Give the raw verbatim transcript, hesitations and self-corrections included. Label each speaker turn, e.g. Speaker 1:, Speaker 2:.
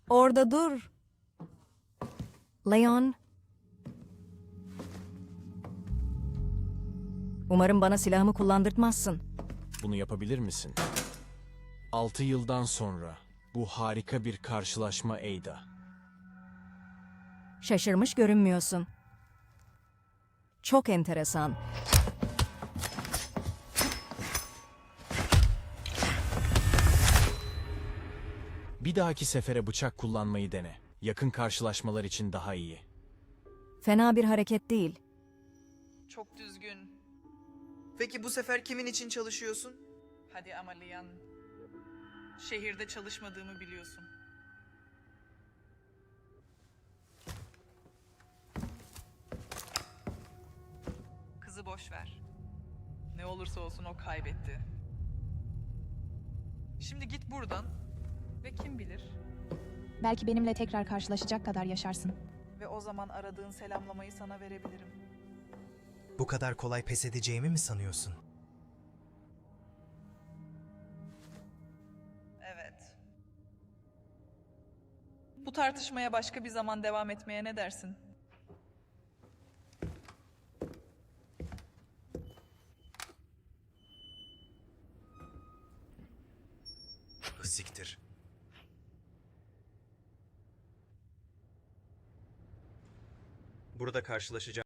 Speaker 1: Orada dur. Leon. Umarım bana silahımı kullandırtmazsın.
Speaker 2: Bunu yapabilir misin? Altı yıldan sonra bu harika bir karşılaşma Ada.
Speaker 1: Şaşırmış görünmüyorsun. Çok enteresan.
Speaker 2: Bir dahaki sefere bıçak kullanmayı dene. Yakın karşılaşmalar için daha iyi.
Speaker 1: Fena bir hareket değil.
Speaker 3: Çok düzgün.
Speaker 4: Peki bu sefer kimin için çalışıyorsun?
Speaker 3: Hadi ama Lian. Şehirde çalışmadığımı biliyorsun. Kızı boş ver. Ne olursa olsun o kaybetti. Şimdi git buradan ve kim bilir,
Speaker 5: Belki benimle tekrar karşılaşacak kadar yaşarsın.
Speaker 3: ve o zaman aradığın selamlamayı sana verebilirim.
Speaker 4: Bu kadar kolay pes edeceğimi mi sanıyorsun?
Speaker 3: Evet. Bu tartışmaya başka bir zaman devam etmeye ne dersin?
Speaker 4: Siktir. Burada karşılaşacağım.